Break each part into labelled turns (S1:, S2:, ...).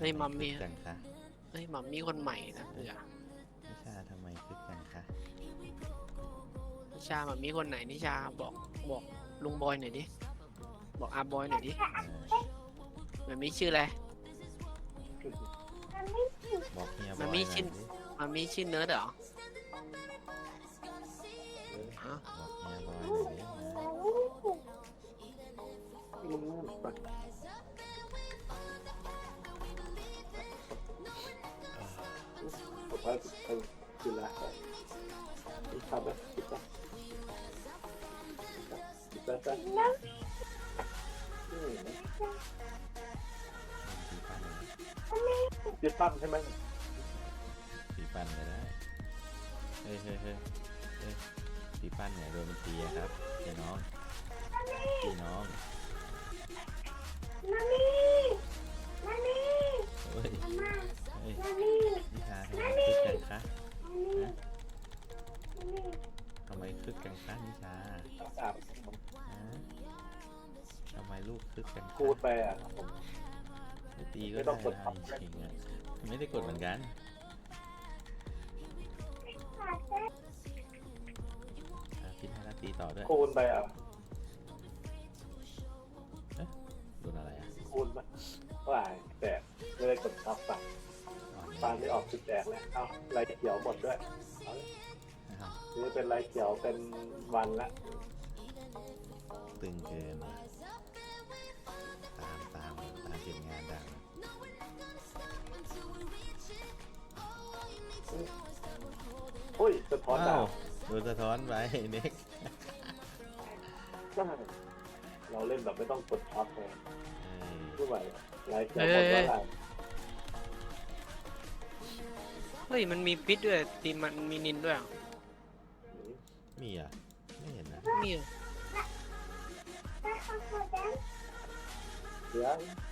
S1: ฮ้ยมัมมี่
S2: จังคะ
S1: เฮ้ยมัมมี่คนใหม่นะเออ
S2: นิชาทำไมคึกจังคะ
S1: นิชามัมมี่คนไหนนิชาบอกลุงบอยหน่อยดิบอกอาบอยหน่อยดิมัมมี่ชื่ออะไร
S2: บอกเฮียบ
S1: มั
S2: อ
S1: ม
S2: ย
S1: มี่
S2: หน่อย
S1: ชื่อ
S2: ดิ
S1: มัมมี่ชื่อเนิร์ดเหรอฮะ
S2: บอกเฮียบอยหน่อยดิ
S3: ผมว่าคือละที่ทำนะคิดว่าคิดว่าจะคิดตั้งใช่ไหม
S2: ตีปั้นเลยนะเฮ้ยตีปั้นเนี่ยโดนมันตีอะครับพี่น้องเฮ้ยนิชาทำไมคึกจังคะทำไมคึกจังคะนิชาทำไมลูกคึกจังคะ
S3: พูดไปอ่ะผม
S2: ไม่ตีก็
S3: ไม่ต้
S2: ได้
S3: องกดทับ
S2: จริงๆอ่ะไม่ได้กดเหมือนกันคิดให้ตีต่อด้วย
S3: คูณไปอ่ะ
S2: โดนอะไรอ่ะ
S3: คูณว่าแต่ไม่ได้กดทับฝั่งปานไม่ออกจุดแดงแล้วเอ้าลายเขียวหมดด้วยนี่เป็นลายเขียวเป็นวันละ
S2: ตึงเกินตามเก็บงานดัง
S3: อุ้ยสะท้อนดาว
S2: โดนสะท้อนไปเน็ก
S3: เราเล่นแบบไม่ต้องกดทับเลยไม่ไหวลายเขียว
S1: เอ้
S3: หมด
S1: ย
S3: ว่าอะไร
S1: เฮ้ยมันมีพิษด้วยทีมมันมีนินด้วยเหรอ
S2: มีอ่ะไม่เห็นนะ
S1: มีเหรอ
S3: เดี๋ยว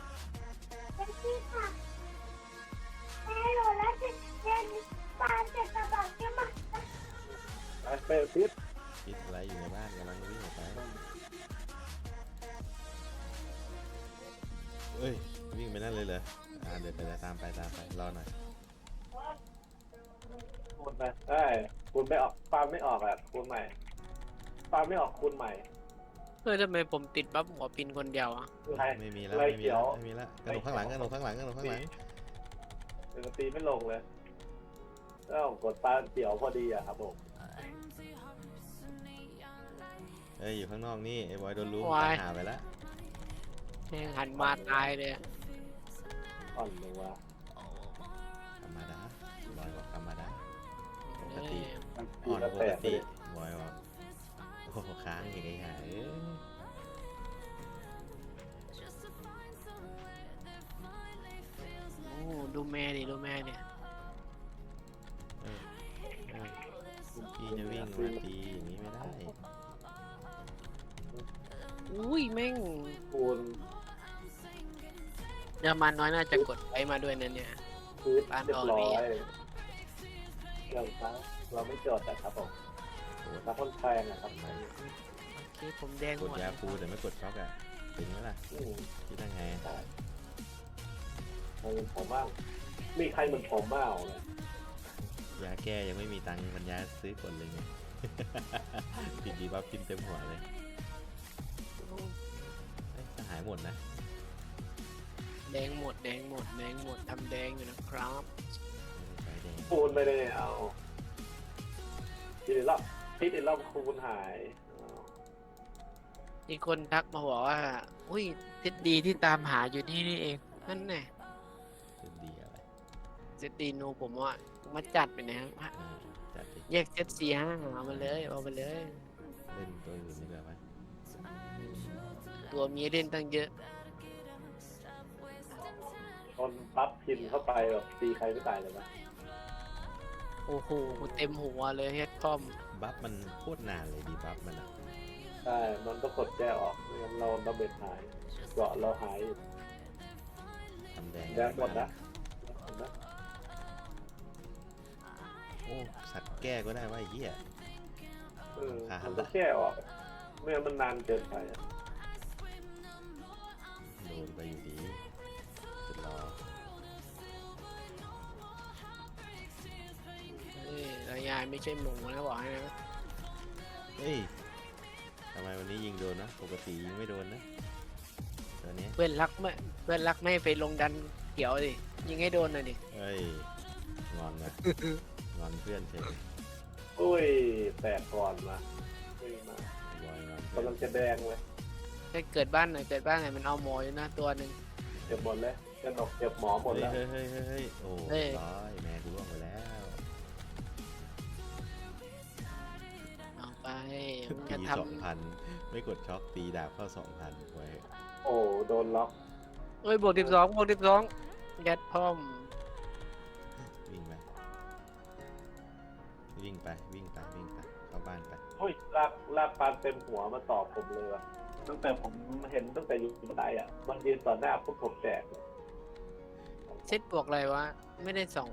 S3: ไปพิษ
S2: คิดอะไรอยู่ในบ้านกำลังวิ่งออกไปเอ้ยวิ่งไปนั่นเลยเหรอเดี๋ยวตามไปรอหน่อย
S3: คูณไปได้คูณไม่ออกปาไม่ออกอ่ะคูณใหม่ปาไม่ออกคูณใหม่
S1: เฮ้ยทำไมผมติดบัฟหัวปินคนเดียวอ่ะ
S3: ลาย
S2: ไม่มีแล้ว
S3: ลาย
S2: ไม่มี
S3: เขีย
S2: แล้ว วไม่มีแล้วกระโดดข้างหลัง
S3: เดี๋ยวตีไม่ลงเลยก็กดปาเขียวพอดีอ่ะครับผม
S2: เอ้ยอยู่ข้างนอกนี่ไอ้บอยโดนรู้ตายหาไปแล้ว
S1: แม่งหันมาตายเลย
S3: อ่อนเลยว่ะ
S2: ธรรมดาบอยบอกธรรมดาปก
S1: เอ้
S2: ติ
S1: ย
S3: ตี
S2: อ่อน
S3: แล้ว
S2: ป
S3: แต
S2: ก
S3: กเล
S2: ติ
S3: ย
S2: บอยบอกโอ้โหค้างอย่างไงหา
S1: โอ้ดูแม่ดิดูแม่เนี่ย
S2: พี่จะวิ่งมาตีอย่างนี้ไม่ได้
S1: อุ้ยแม่ง
S3: คูณ
S1: เดี๋ยวมันน้อยน่าจะกดไปมาด้วยนั่นเนี่ย
S3: พื้นเรียบร้อยเรื่องตั้งเราไม่จดแต่ครับผมนักคนแพงนะครับ
S1: โอเคผมแดง
S2: ก
S1: ห
S2: ด
S1: มด
S2: ยาคูแต่ไม่กดช็อกอ่ะถึงไหมล่ะคิดได้ไง
S3: ผมบ้างมีใครเหมือนผมบ้างเนี่ย
S2: ยาแก้ยังไม่มีตังค์ปัญญาซื้อกดเลยไง ปิดดีบัฟกินเต็มหัวเลยหายหมดนะ
S1: แดงหมดแดงหมดแดงหมดทำแดงอยู่นะครับ
S2: ใช้แดง
S3: คูณไปเลยเอาทีเดียวรอบคูณหาย
S1: มีคนทักมาบอกว่าอุ้ยทิศดีที่ตามหาอยู่นี่นี่เองนั่นแน่
S2: คือดีอะไร
S1: เซตดีโนผมว่ามาจัดไปนะครับ
S2: จัดดิ
S1: แยกเซต4 5เอามาเลยเอาไปเลย
S2: เล่นตัวอื่นดีกว่าไหม
S1: ตัวมีเล่นตั้งเยอะ
S3: ตอนปั๊บพินเข้าไปแบบตีใครไม่ตายเลยนะ
S1: โอ้โหเต็มหัวเลยเฮดคอม
S2: บัฟมันโคตรนานเลยดีบัฟมันอ่ะ
S3: ใช่มันต้องกดแก้ออกไม่งั้นเราระเบิดหายเกาะเราหาย
S2: ทำแดง
S3: แดงหมดนะ
S2: โอ้สัตว์แก้ก็ได้ว่าไอ้เหี้ย
S3: มันต้องแก้ออกไม่งั้นมันนานเกินไป
S2: โดนไปอยู่ดีสุดรอ
S1: ายไม่ใช่หมูนะบอกให้นะ
S2: เฮ้ยทำไมวันนี้ยิงโดนนะปกติยิงไม่โดนนะตัวเนี้ย
S1: เพื่อนรักไม่ให้ไปลงดันเขียวดิยิงให้โดนหน่อยดิ
S2: เฮ้ยงอนนะงอนเพื่อนเฉย
S3: อุ้ยแตกก่อนมาไม่มา
S2: บอยงอนเพื่อน
S3: กำลังจะแดงเลย
S1: ถ้าเกิดบ้านไหนมันเอาหมออยู่นะตัวหนึ่ง
S3: เก็บหมดเลยกระหนกเก็บหมอหมดแล้ว
S2: เฮ้ยเฮ้ยเฮ้ยเฮ้ยโอ้
S1: เฮ้ย
S2: ร้อยแม่กูร่วงไปแล้ว
S1: เอาไปมึง
S2: ตี
S1: จะท
S2: 2,000ไม่กดช็อคตีดาบเข้า2,000ไว้
S3: โอ้โดนล็อก
S1: ำเอ้ยบวก12ยัดพร้อม
S2: วิ่งไปวิ่งไปวิ่งไปวิ่งไปเข้าบ้านไป
S3: เฮ้ยลากปานเต็มหัวมาตอบผมเลยว่ะตั้งแต่ผมเห็นตั้งแต่อยู่บันไดอ่ะมันยืนต่อหน้าพวกผมแตกเลย
S1: เซตบวกอะไรวะไม่ได้ส่อง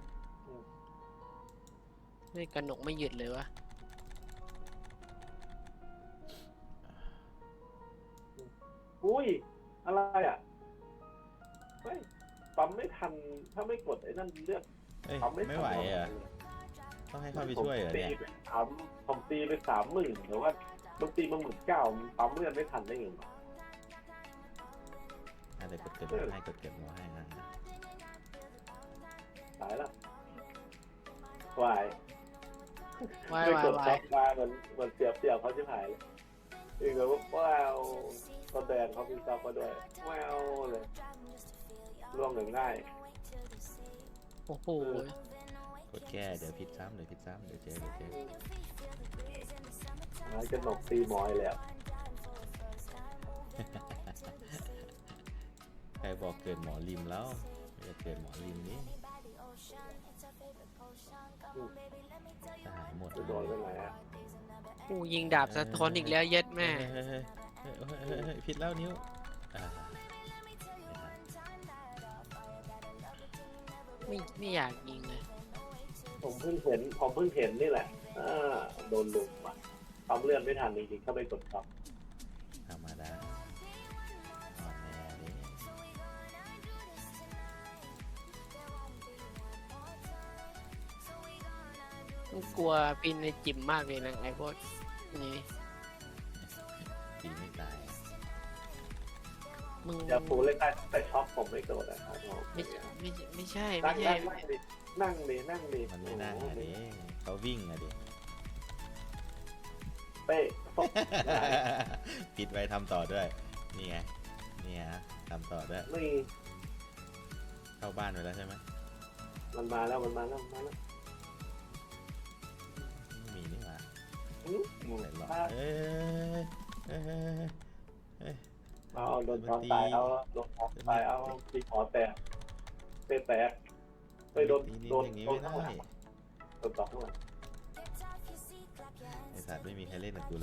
S1: ไม่กระหนกไม่หยุดเลยวะ
S3: อุ้ยอะไรอ่ะเฮ้ยปั๊มไม่ทันถ้าไม่กดไอ้นั่นเลือด
S2: เอ้ย
S3: ปั๊มไม่
S2: ไม่
S3: ทัน
S2: ไหวเหรอ่ะต้องให้เข้าไปช่วยเหรอเนี่ย
S3: ผมตีไป30,000หรือว่าบางตีมา19,000มันปั๊มเลือดไม่ทันได้ไงวะ
S2: เดี๋ยวกดเกิดหมอให้กดเกิดหมอให้นะ
S3: ตายแล้ววาย
S1: วาย
S3: ไม่
S1: วาก ย
S3: ด
S1: วา
S3: ซั
S1: ย
S3: บมาเหมือนเสียบเขาชิบหายเลยอีกแบบว่าว้าวตอนแดงเขามีซับมาด้วยว้าวเลยร่วงหนึ่งง่าย
S1: โอ้โห
S2: กดแก้เดี๋ยวผิดซ้ำเดี๋ยวเจอ
S3: หายจะหนกตีมอยเลยอ่ะ
S2: ใครบอกเกิดหมอริมแล้วไม่ได้เกิดหมอริมนี่จะหายหมด
S3: จะโดนยังไงอ่ะ
S1: กูยิงดาบสะท้อนอีกแล้วเย็ดแม่
S2: เฮ้ยผิดแล้วนิ้ว
S1: ไม่อยากยิงเลย
S3: ผมเพิ่งเห็นนี่แหละโดนลุมอ่ะปั๊มเลือดไม่ทันจริงๆถ้าไม่กดซับ
S2: ธรรมดาอ่อนแอดิ
S1: กูกลัวปินในจิมมากเลยนะไอ้พวกนี้
S2: ตีไม่ตาย
S1: มึง
S3: อย่าฟูเล่นได้แต่ช็อปผมไม่โกรธนะครับ
S1: ไม่ใช่
S3: นั่งดินั่งดิ
S2: มันไม่น่าดิเขาวิ่งอะดิ
S3: เป๊ะ
S2: ปิดไว้ทำต่อด้วยนี่ไงนี่ฮะทำต่อด้วย
S3: นี่
S2: เข้าบ้านไปแล้วใช่ไหม
S3: มันมาแล้ว
S2: ไม่มีนี่หว่าใส่หลอด
S3: เอาโดนตอนตายเอาโดนตอนตายเอาตีขอแตกเตะแตกไปโดน
S2: อย่างนี้ไม่ได้
S3: โดนต่อข้างหลัง
S2: ไอสัตว์ไม่มีใครเล่นกับกูเลย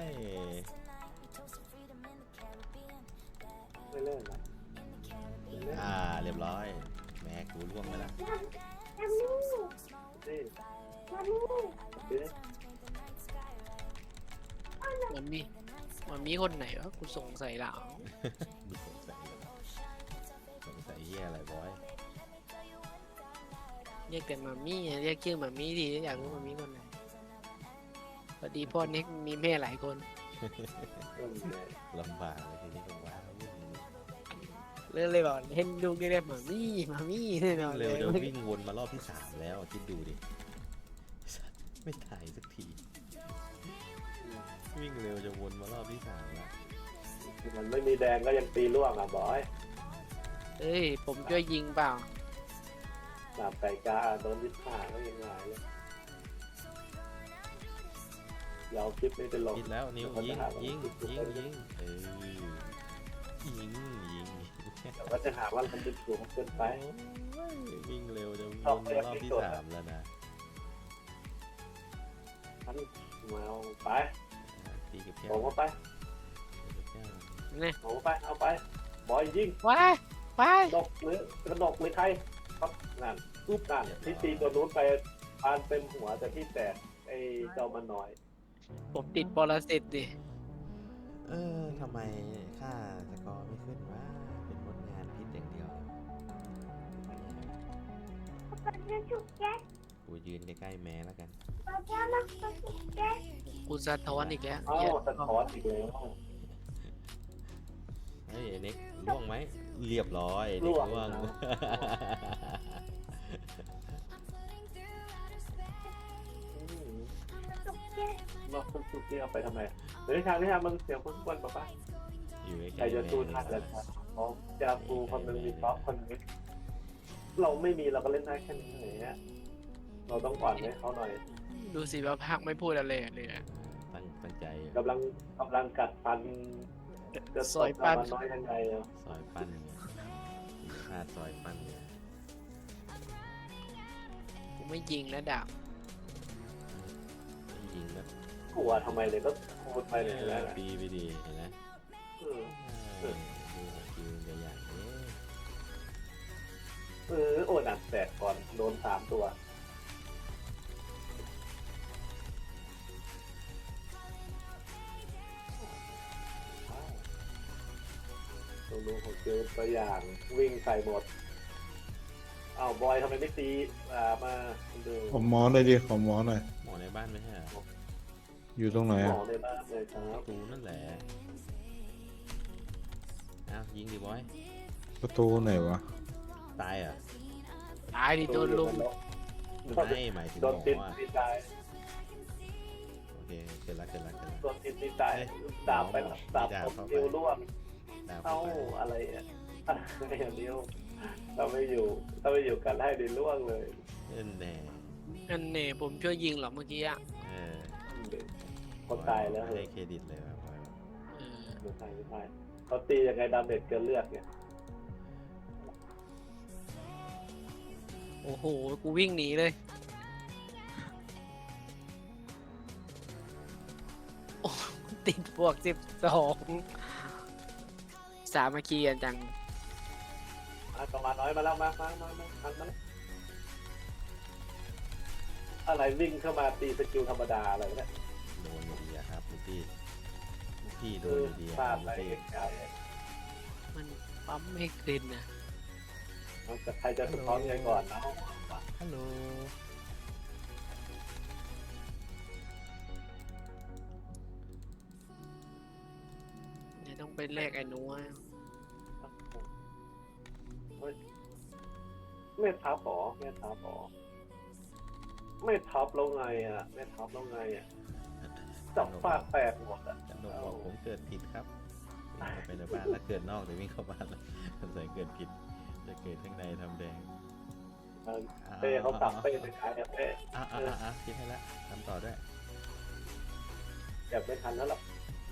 S3: ไม่เล่นนะ
S2: เรียบร้อยแม่กูร่วงไปแล้ว
S3: นี่
S1: มันมีคนไหนวะกูสงสัยหลัง
S2: ดูสงสัยเหี้ยอะไรบอย
S1: เรียกแต่มามี่เรียกชื่อมามี่ดีอยากรู้มามี่คนไหนพอดีพ่อเน็กมีแม่หลายคน
S2: ลำบากเลยทีนี้ก็ว้าว
S1: เลยบอกเห็นลูกได้เรียกมามี่แน่นอน
S2: เร็วจะวิ่งวนมารอบที่3แล้วคิดดูดิไม่ถ่ายสักทีวิ่งเร็วจะวนมารอบที่3แล้ว
S3: มันไม่มีแดงก็ยังตีล่วงอ่ะบอย
S1: เอ้ยผมช่วยยิงเปล่า
S3: ดาบไก่กาโดนยึดขาก็ยังไงเลยเราคลิปนี้ไปลง
S2: คิดแล้วนิ้วยิงยิง
S3: เดี๋ยวก็จะหาว่ามันเป็นสูงเกินไป
S2: วิ่งเร็วจะวนมารอบที่3แล้วนะ
S3: ท่านมาเอาไป
S2: ตีกับแก้
S3: ผม
S2: ว
S3: ก็ไป
S1: เนี่ย
S3: ผมก็ไปเอาไปบอยยิง
S1: ว้ายว้าย
S3: ดกหรือกระดกหรือใครครับนั่นปุ๊บนั่นที่ตีตัวนู้นไปปานเต็มหัวแต่ที่แตกไอ้เจ้ามันน้อย
S1: ผมติดปรสิตดิ
S2: ทำไมค่าสกอร์ไม่ขึ้นวะเป็นผลงานพิษอย่างเดียวกูยืนใกล้ๆแม่แล้วกัน
S1: กูสะท้อนอีกแล้ว
S3: เอ้า
S1: เหี้ย
S3: สะท้อนอีกแล้ว
S2: เฮ้ยไอ้เน็กล่วงไหมเรียบร้อยไอ้เน็กล่วง
S3: นอกคุณสุกี้เอาไปทำไมเฮ้ยทางนี้ทางมึงเสียงคุณป้า
S2: อยู่ใกล้ๆ
S3: ใครจะสู้ทันแล้วครับอ๋อจาฟูคนหนึ่งมีท็อปคนหนึงเราไม่มีเราก็เล่นได้แค่นี้อย่างเงี้ยเราต้องอ่อนให้เขาหน่อย
S1: ดูสิว่าภาคไม่พูดอะไรเลยอะ
S2: ตั้งใจอยู่
S3: กำลังกัดฟันจะ
S1: ซอยปั้น
S3: มันน้อยยังไงอะ
S2: ซอยปั้นเนี่ยพลาดซอยปั้นเนี่ย
S1: กูไม่ยิงแล้วดาบ
S2: ยิงแบบ
S3: กลัวทำไมเลยก็พูดไปเลยแล้วนะ
S2: ปีไปดีเห็นไหม
S3: อืม
S2: ดูคิวตัวอย่างนี้
S3: โอ้หนักแตกก่อนโดน3 ตัวดูของเจอตัวอย่างวิ่งใส่หมดอ้าวบอยทำไมไม่ตีมาดู
S4: ขอหมอหน่อยดิขอหมอหน่อย
S2: หมอในบ้านไม่ใช่เหรอ
S4: อยู่ตรงไหน
S3: หม
S4: อ่ะ
S3: อในบ้านเลยครับ
S2: ประตูนั่นแหละอ้าวยิงดิบอย
S4: ประตูไหนวะ
S2: ตายเหรอ่ะ
S1: ตายดิโดนลุม
S2: ไม่หมายถึงห
S3: โด
S2: ม
S3: นติด
S2: ออ่ะ
S3: ตีตาย
S2: โอเคเกิดละ
S3: โดนติดตีตายดาบไปแล้วดาบผมนิ้วร่วง
S2: ดาว
S3: เอ้า
S2: เข้าไป
S3: อะไรอ่ะอะไรอย่างนิ้วเราไม่อยู่กันให้ดิร่วงเลย
S2: เล่นแน่
S1: อันเน่ผมช่วยยิงเหรอเมื่อกี้อะ
S2: เออ
S3: คนตายแล้ว
S2: ให้เครดิตเลยว่ะบอย
S1: เออ
S3: ไม่ตายเขาตียังไงดาเมจเกินเลือดเนี่ย
S1: โอ้โหกูวิ่งหนีเลยโอ้ติดบวก12สามัคคีกันจัง
S3: ประมาณน้อยมาแล้วมาอะไรวิ่งเข้ามาตีสกิลธรรมดาอะไรเนี่ย
S2: โดนอยู่ดีอะครับลูกพี่โดนอยู่ดี
S3: พ
S2: อะ
S3: ลา
S2: ครั
S3: ด
S2: บ
S3: อะไร
S2: ลูกพี่
S3: ไกล
S1: มันปั๊มไม่ขึ้นนะ
S3: แต่ใครจะสะท้อนยังก่อนนะ
S2: ฮัลโหล
S1: เนี่ยต้องไปแลกไอ้หนูอะ
S3: ไม่ทับหรอไม่ทับแล้วไงอ่ะไม่ทับแล้วไงอ่ะจับฟาดแตกหมดอ่ะ
S2: จันโดบอกผมเกิดผิดครับวิ่งเข้าไปในบ้านแล้วเกิดนอกหรือวิ่งเข้าบ้านแล้วสงสัยเกิดผิดจะเกิดข้างในทำแดง
S3: เป้เขาตับเป้ไปขายเป้
S2: คิดให้แล้วทำต่อด้วย
S3: เก็บไม่ทันแล้วหรอก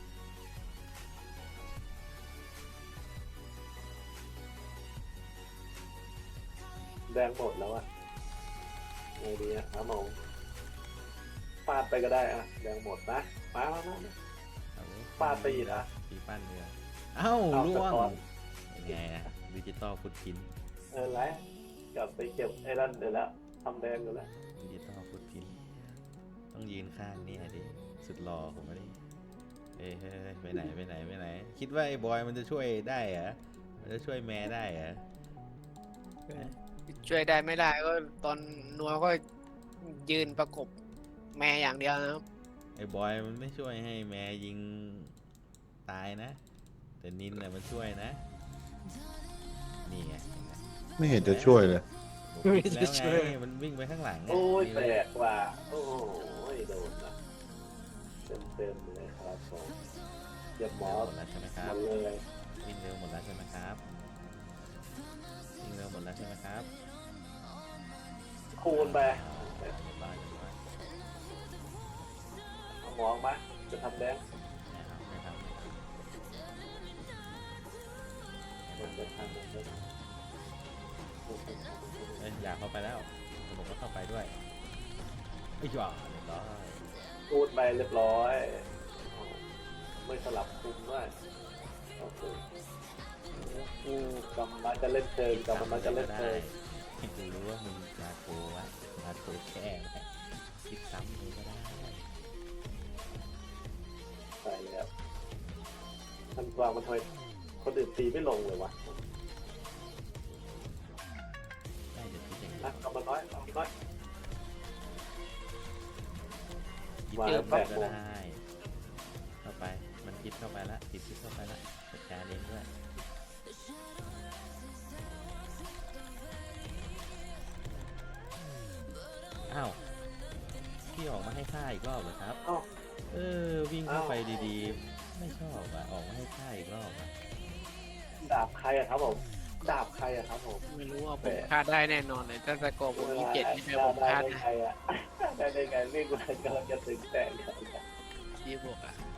S3: แดงหมดแล้วอ่ะไงดีอ่ะหมองฟาดไปก็ได้อ่ะแดงหมดนะมาฟาดไปอีกนะ
S2: ตีปั้นเรือเอ้าล่วงยังไงอะดิจิตอลฟุตพิ้น
S3: แล้วกลับไปเก็บไอ้นั่นเดี๋ยวแล้วทำแดงอยู่แล้ว
S2: ดิจิตอลฟุตพิ้นต้องยืนข้างนี่ดิสุดหล่อผมไม่ได้เฮ้ยไปไหนคิดว่าไอ้บอยมันจะช่วยได้เหรอมันจะช่วยแม่ได้เหรอ
S1: ช่วยได้ไม่ได้ก็ตอนนัวก็ยืนประกบแม่อย่างเดียวนะครับ
S2: ไอ้บอยมันไม่ช่วยให้แม่ยิงตายนะ แต่นินแหละมันช่วยนะนี่ไง
S4: ไม่เห็นจะช่วยเลย
S2: ผมคิดแล้วไงมันวิ่งไปข้างหลังไง
S3: โอ้ยแปลกว่ะโอ้ยโดนนะเต็มเลยครับผมเก็บหมอ
S2: หมดแล้วใช่ไหมค
S3: ห
S2: รั
S3: ม
S2: บ
S3: ดเลย
S2: วิ่งเร็วหมดแล้วใช่ไหมครับวิ่งเร็วหมดแล้วใช่ไหมครับ
S3: คูณไป
S2: เรียบร้อย
S3: เอาหมอมาจะทำแดง
S2: ไม่ทำ
S3: มันจะทำมันจะ
S2: เอ้ยอยากเข้าไปแล้วผมก็เข้าไปด้วยไอ้หว่าเรียบร้อย
S3: คูณไปเรียบร้อยไม่สลับคุมด้วยโอเคกำมันจะเล่นเชิงกำมันจะเล่นเชิง
S2: กูรู้ว่ามึงมาโกวะมาโกแค่ไหมคิดซ้ำเลยก็ได้
S3: ใช่แล้วมันวางมันทำไมคนอื่นตีไม่ลงเลยวะ
S2: ได้เดี๋ยวคิดอย่างนี้
S3: นะกำมันน้อย
S2: คิดเยอะก็ได้เข้าไปมันคิดเข้าไปละติดคิดเข้าไปละจัดการเองด้วยอ้าวพี่ออกมาให้ฆ่าอีกรอบเหรอครับ
S3: เอ้า
S2: วิ่งเข้าไปดีๆไม่ชอบอ่ะออกมาให้ฆ่าอีกรอบอ่ะ
S3: ดาบใครอะครับผมดาบใครอะครับผม
S1: ไม่รู้ว่าผมฆ่าได้แน่นอนเลยถ้าสกอร์ผม27นี่แปลผม
S3: ได้
S1: ฆ่า
S3: ได้
S1: ได้
S3: ไงอะได้ไงวิ่งมากำลังจะถึงแตก
S1: ที่บวกอ่ะ